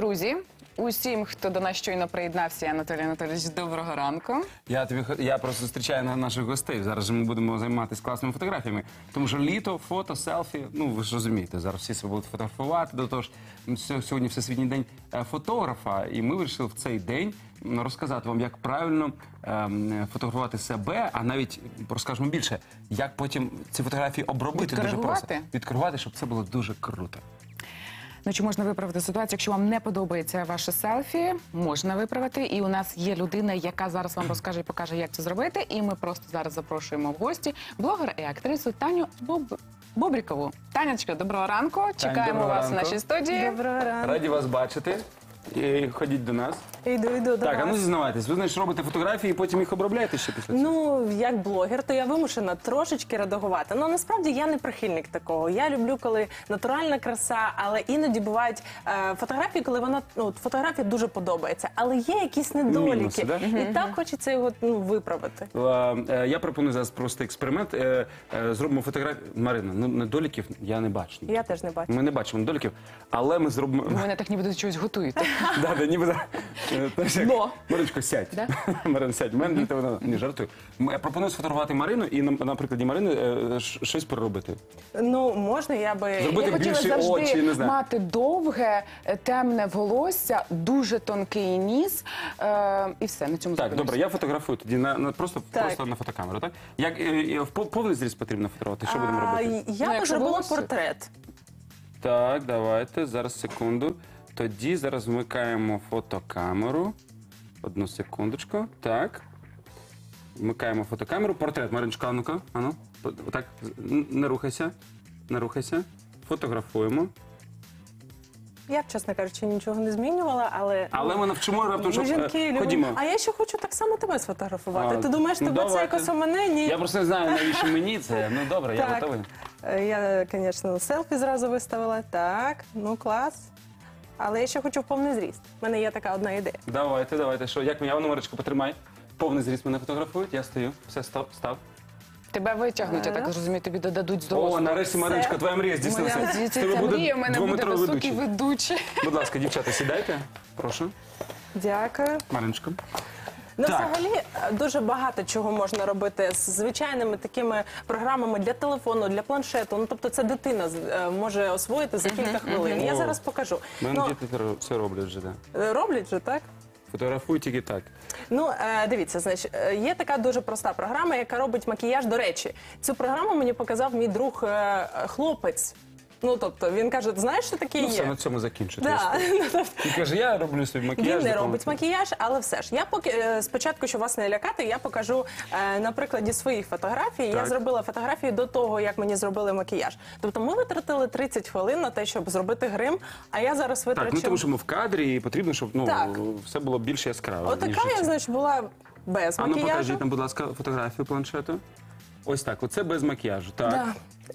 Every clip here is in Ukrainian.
друзі, усім, хто до нас щойно приєднався, Анатолій Анатолійович, доброго ранку. Я просто зустрічаю наших гостей. Зараз же ми будемо займатися класними фотографіями. Тому що літо, фото, селфі, ну ви ж розумієте, зараз всі себе будуть фотографувати. До того ж, сьогодні Всесвітній день фотографа, і ми вирішили в цей день розказати вам, як правильно фотографувати себе, а навіть розкажемо більше, як потім ці фотографії обробити дуже просто. Відкоригувати, щоб це було дуже круто. Ну, чи можна виправити ситуацію, якщо вам не подобається ваше селфі, можна виправити. І у нас є людина, яка зараз вам розкаже і покаже, як це зробити. І ми просто зараз запрошуємо в гості блогера і актрису Таню Бобрікову. Танечка, доброго ранку. Чекаємо вас в нашій студії. Доброго ранку. Раді вас бачити. І ходіть до нас. Йду до вас. Так, а ну зізнавайтесь, ви, значить, робите фотографії і потім їх обробляєте ще після цього? Ну, як блогер, то я вимушена трошечки редагувати. Ну, насправді, я не прихильник такого. Я люблю, коли натуральна краса, але іноді бувають фотографії, коли вона, фотографія дуже подобається, але є якісь недоліки. Мінуси, да? І так хочеться його виправити. Я пропоную зараз просто експеримент. Зробимо фотографію. Марина, ну недоліків я не бачу. Я теж не бачу. Ми не бачимо недоліків, але ми зробимо... Ви мене так ніби щось готуєте. Да, ніби... Но. Мариночко, сядь. Марина, сядь. Мене для тебе не жартую. Я пропоную сфотографувати Марину і на прикладі Марини щось переробити. Ну, можна, я би... Зробити Я хотіла більші очі, не завжди знаю. мати довге, темне волосся, дуже тонкий ніс. І все, на цьому Так, зупинюся. добре, я фотографую тоді просто на фотокамеру, так? Як повний зріз потрібно фотографувати? Що будемо робити? Я Ну, би якщо зробила волосся. портрет. Так, давайте, зараз секунду. Тоді зараз вмикаємо фотокамеру. Одну секундочку. Так. Вмикаємо фотокамеру. Портрет, Мариночка, а ну-ка. Ану. Так, не рухайся. Не рухайся. Фотографуємо. Я, чесно кажучи, нічого не змінювала, але... Але ми навчимо раптом, щоб... Жінки Ходімо. люблять. А я ще хочу так само тебе сфотографувати. А, Ти думаєш, ну, тебе це давайте. якось у мене? Ні. Я просто не знаю, навіщо мені це. Ну, добре, я Так. готовий. Я, звісно, селфі зразу виставила. Так, ну клас. Але я ще хочу в повний зріст. У мене є така одна ідея. Давайте. Що, як мені? А ну, Маричко, потримай. Повний зріст мене фотографують, я стою. Все, став. Тебе витягнуть, я так розумію, тобі додадуть з О, дорослого. нарешті, Мариночка, твоя мрія здійснилася. Моя З тебе здійсниться буде мрія, в мене буде двометровий високий ведучий. ведучий. Будь ласка, дівчата, сідайте. Прошу. Дякую. Мариночко. Ну, Так. взагалі, дуже багато чого можна робити з звичайними такими програмами для телефону, для планшету. Ну, тобто це дитина може освоїти за кілька хвилин. Я О. зараз покажу. У мене Ну, діти це роблять вже, так. роблять же, так? Фотографують тільки так. Ну, дивіться, значить, є така дуже проста програма, яка робить макіяж. До речі, цю програму мені показав мій друг хлопець. Ну, тобто, він каже, знаєш, що таке Ну, все, є? на цьому закінчити. Да. Він каже, я роблю свій макіяж. Він не допомогти. робить макіяж, але все ж. Я поки спочатку, щоб вас не лякати, я покажу на прикладі своїх фотографій. Я Так. зробила фотографії до того, як мені зробили макіяж. Тобто ми витратили 30 хвилин на те, щоб зробити грим, а я зараз витрачу... Так, ну тому що ми в кадрі і потрібно, щоб Так. все було більш яскраво. ніж Отака я, це. значить, була без А ну макіяжу. покажіть нам, будь ласка, фотографію планшету. Ось так, оце без макіяжу. Так. Да.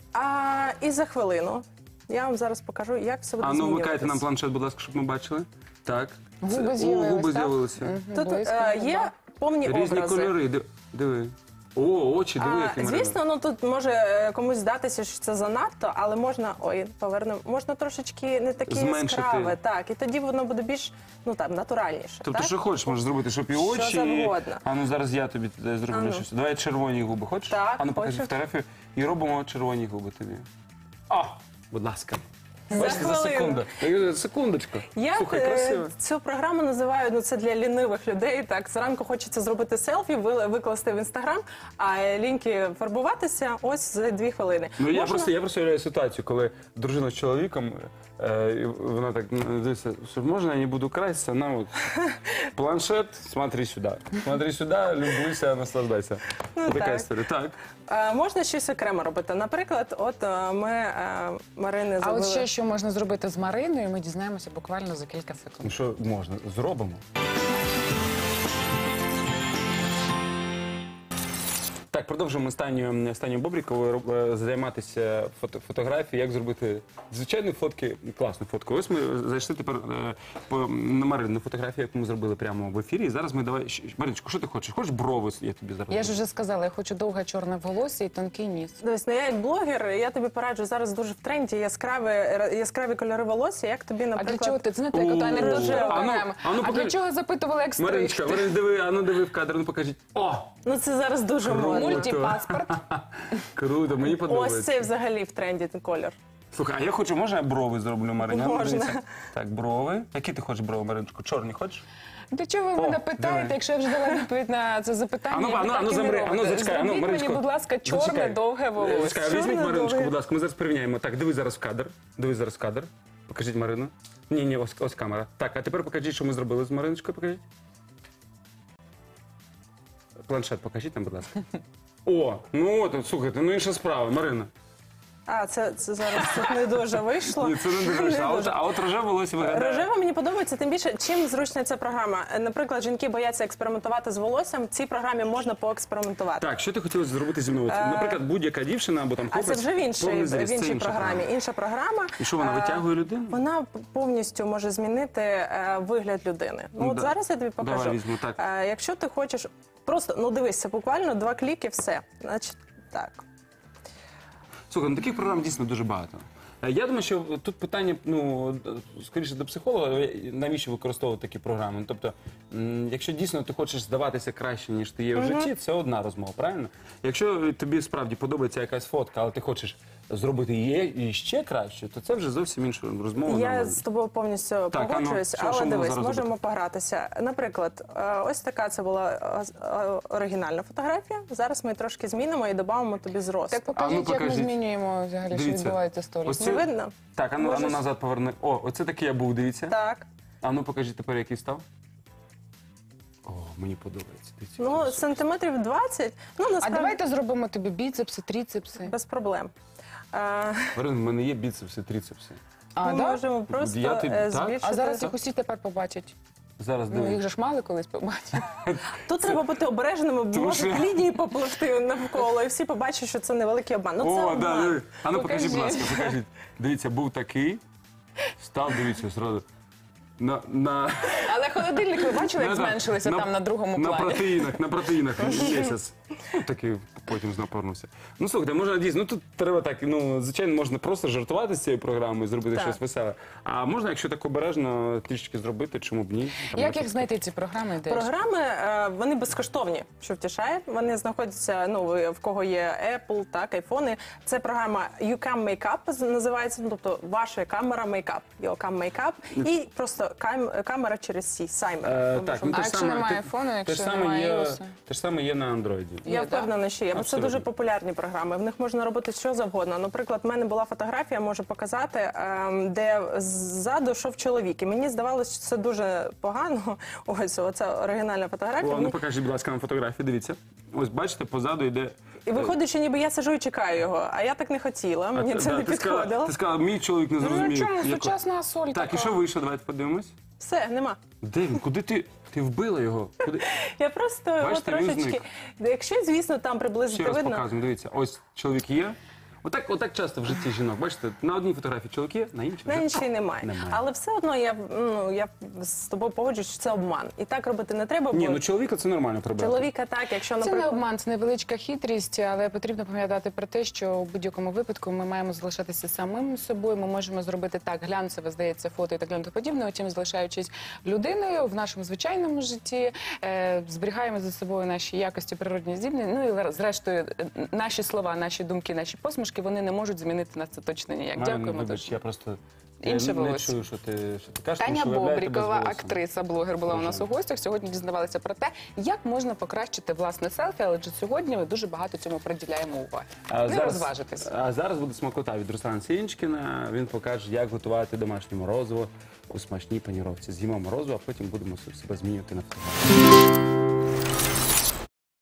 І за хвилину я вам зараз покажу, як все буде А ну змінюватись. вмикайте нам планшет, будь ласка, щоб ми бачили. Так. Губи О, з'явились, губи так? з'явилися. Тут Близько, є повні Різні образи. кольори. Диви. О, очі, диви, які Марина. Звісно, ну тут може комусь здатися, що це занадто, але можна, можна трошечки не таке Зменшити. яскраве, так, і тоді воно буде більш, натуральніше. Тобто, так? що хочеш, можеш зробити, щоб і очі. Що завгодно. А ну зараз я тобі зроблю А ну. щось. Давай червоні губи. Хочеш? Так, А ну покажи хочу. фотографію. І робимо червоні губи тобі. О, будь ласка. За Бачите, за хвилину. секунду. Секундочку. Я Слухай, красиво. цю програму називаю, це для лінивих людей. Так, зранку хочеться зробити селфі, викласти в інстаграм, а ліньки фарбуватися ось за 2 хвилини. Ну, я Можна- просто уявляю ситуацію, коли дружина з чоловіком, і вона так дивиться, що можна я не буду краситися, на от планшет, смотри сюди. Смотри сюди, люблюся, наслаждайся. Така так. історія. Так. Можна щось окремо робити. Наприклад, от ми Марини А зробили... от ще що можна зробити з Мариною, ми дізнаємося буквально за кілька секунд. Ну що можна? Зробимо. Так, продовжуємо Станію Бобріковою займатися фотографією, як зробити звичайні фотки, класну фотку. Ось ми зайшли тепер на Марину фотографію, яку ми зробили прямо в ефірі. І зараз ми давай... Мариночко, що ти хочеш? Хочеш брови? Я тобі зараз. Я ж вже сказала, я хочу довге чорне волосся і тонкий ніс. Дивись, ну я як блогер, я тобі пораджу, зараз дуже в тренді яскраві кольори волосся, як тобі, А наприклад... для чого ти? Знаєте, як ото анекдот рожево. виконаємо. А для чого запитували, як Мариночка, стригти? диви в кадр, ну покажіть. О! Ну це зараз дуже модно. Мультипаспорт. Круто, мені Ось подобається. цей взагалі в тренді колір. Слухай, а я хочу, можна я брови зроблю, Мариня? Можна. Дивіться. Так, брови. Які ти хочеш брови, Мариночку? Чорні хочеш? Для чого ви мене диви. питаєте, якщо я вже дала відповідь на це запитання? Ану, і ви так і не замри, робите? зачекай, Зробіть Мариночко. мені, будь ласка, чорне Зачекай. довге волосся. Чекай, візьміть Чорне, Мариночку, довге. будь ласка, ми зараз порівняємо. Так, дивись зараз в кадр. Дивись зараз в кадр. Покажіть Марину. Ні, ось камера. Так, а тепер покажіть, що ми зробили з Мариночкою, покажіть. Планшет покажіть нам, будь ласка. О, ну от, слухайте, ну інша справа, Марина. А, це зараз тут не дуже вийшло. Ні, це не дуже. А от рожеве волосся виглядає. Рожева мені подобається, тим більше, чим зручна ця програма. Наприклад, жінки бояться експериментувати з волоссям, в цій програмі можна поекспериментувати. Так, що ти хотіла зробити зі мною? Наприклад, будь-яка дівчина або там А це хлопець. вже в повний зріст, це іншій інша програмі. Інша програма. І що, вона витягує людину? Вона повністю може змінити вигляд людини. Ну, от Да. зараз я тобі покажу. Давай візьму, так. Якщо ти хочеш, просто, ну дивись, це буквально 2 кліки, все. Значить, так. Слухай, ну таких програм дійсно дуже багато. Я думаю, що тут питання, ну, скоріше до психолога, навіщо використовувати такі програми. Тобто, якщо дійсно ти хочеш здаватися краще, ніж ти є в житті, це одна розмова, правильно? Якщо тобі справді подобається якась фотка, але ти хочеш зробити її ще краще, то це вже зовсім інша розмова. Я нормальна. з тобою повністю Так, а ну, погоджуюсь, що але ми дивись, зараз можемо погратися. Наприклад, ось така це була оригінальна фотографія. Зараз ми трошки змінимо і додамо тобі зрост. Так покажіть, як ми покажіть. змінюємо взагалі, що Дивіться. відбувається з Ось сторіс. Не видно? Так, ану Можеш- назад поверни. О, оце такий я був, дивіться. Так. А ну покажіть тепер, який став. О, мені подобається. Дивіться, Ну, який сантиметрів 20. Ну, А насправді, давайте зробимо тобі біцепси, тріцепси. без проблем. Марин, в мене є біцепси, трицепси. А, Ми да? можемо просто Я тобі- так? збільшити. А зараз їх усі тепер побачать. Зараз Ну, їх дивись. же ж мали колись побачити. Тут треба бути обережними, Тому може що- лінії попливти навколо, і всі побачать, що це невеликий обман. Ну, це О, обман. да, диви. А ну покажіть, будь Покажи. ласка, покажіть. Дивіться, був такий, став, дивіться, зразу. На Але холодильник ви бачили, як зменшилися там на другому на плані? протеїнах місяць. Такий потім знапорнувся. Ну слухайте, можна дійсно, ну тут треба так, ну звичайно, можна просто жартувати з цією програмою, зробити Так. щось веселе. А можна, якщо так обережно, трішечки зробити, чому б ні? Там, Як наприклад, їх знайти, ці програми? Де ж? Програми, вони безкоштовні, що втішає. Вони знаходяться, ну, в кого є Apple, так, айфони. Це програма YouCam Makeup називається, ну, тобто ваша камера Makeup, YouCam Makeup, і просто камера через сі, саймер. Так, А якщо немає айфону, те якщо ж саме немає є, iOS? те ж саме є на Андроїді. Я Є, впевнена, що є. Бо це Абсолютно. дуже популярні програми. В них можна робити що завгодно. Наприклад, в мене була фотографія, можу показати, де ззаду йшов чоловік. І мені здавалося, що це дуже погано. Ось, оце оригінальна фотографія. О, ну Мені- покажіть, будь ласка, нам фотографії, дивіться. Ось бачите, позаду йде. І виходить, що ніби я сиджу і чекаю його, а я так не хотіла, мені це не ти сказала, підходило. ти сказала, мій чоловік не Ну, зрозумів. чому? яко- Сучасна соль Так, і така. що вийшло? Давайте подивимось. Все, нема. Де він? Куди ти? Ти вбила його? Куди? Я просто його Бачите, він трошечки... зник. Якщо, звісно, там Ще приблизити раз видно. показуємо, дивіться. Ось чоловік є. Отак часто в житті жінок. Бачите, на одній фотографії чоловік є, на іншій На вже іншій немає. немає. Але все одно я з тобою погоджуюсь, що це обман. І так робити не треба, бо Ні, ну чоловіка це нормально прибрати. чоловіка так, якщо, Це не наприклад... обман, це невеличка хитрість, але потрібно пам'ятати про те, що у будь-якому випадку ми маємо залишатися самим собою. Ми можемо зробити так глянцеве, здається, фото і так далі подібне. Утім, залишаючись людиною в нашому звичайному житті, зберігаємо за собою наші якості природні здібні. Ну і зрештою, наші слова, наші думки, наші посмішки, вони не можуть змінити нас це точно ніяк. Марина, Дякуємо вибач, дуже. я просто Інше не волосся. чую, що ти кажеш. тому Таня що виявляєте Бобрікова, без голосу. актриса, блогер, була у нас у гостях. Сьогодні дізнавалися про те, як можна покращити власне селфі, але вже сьогодні ми дуже багато цьому приділяємо уваги. Не розважитись. А зараз буде смакота від Руслана Сінчкіна. Він покаже, як готувати домашнє морозиво у смачній паніровці. З'їмо морозиво, а потім будемо себе змінювати на фотографії.